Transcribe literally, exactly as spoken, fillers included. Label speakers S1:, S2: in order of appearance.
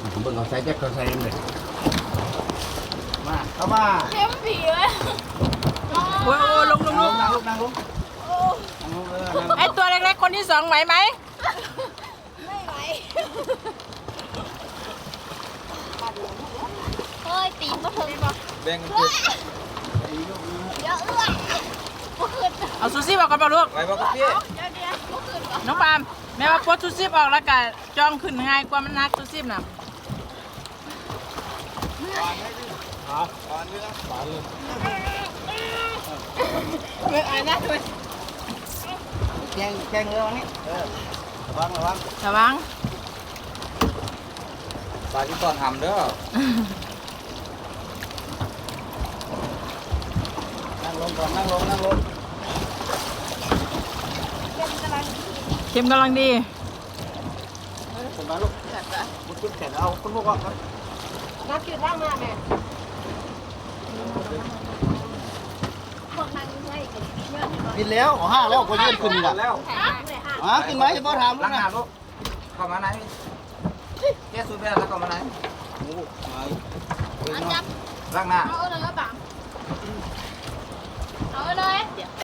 S1: เบิ่งเอาใส่แจ็คเขาใส่เลยมาเข้ามา
S2: เข้มผีเลย
S3: โอ้ยโอ้ยลงลงลง
S1: นั่งลงนั่งลงนั่งลงเออนั่งลง
S3: ไอตัวเล็กๆคนที่สองไหวไหม
S2: ไม่ไหวเฮ้ยตีนมาถึงบ่
S4: แบ่งกันเก็บ
S2: เดี๋ยวเอื้อบ่ขึ้น
S3: เอาซูซี่ออกกันเปล่าลูก
S4: ไว้บอกกับพี่
S2: เดี๋ยวเดี๋ยวบ่ขึ้นบ่
S3: น้องปาล์มแม่ว่าปลดซูซี่ออกแล้วก็จ้องขึ้นง่ายกว่ามันนักซูซี่น่ะ
S4: ตอนนี้นะตอนเลย
S3: เมื่อไอ้นะด้วย
S1: แกงแกงเงือวันนี้เออระวังระวัง
S3: ระวัง
S4: ปลาที่ตอนทำเด้อ
S1: นั่งลงก่อนนั่งลงนั่งลง
S3: เข็มกำลังดี
S1: ผมมาลูกมุดขึ้นแขนเอาคุณพวกว่าครับ
S3: นักกินร่างมาแม่
S2: พวกนั้นให้กันเยอะที่บ่
S1: กินแล้วขอห้าแล้วก็ยืนขึ้นอีก
S4: แล้ว
S2: เลยค่ะ
S1: อ่ะกินไหมจะพ่อถามลู
S4: ล้าก ง
S1: นะ
S4: หน้าลูกเข้ามาไหนแก้สูบไปแล้วเข้ามาไหน
S1: โอ้ย
S2: เอาจับ
S4: ล้างหน้า
S2: เอาเลยก็บังเอาเลยเดี๋ยวไป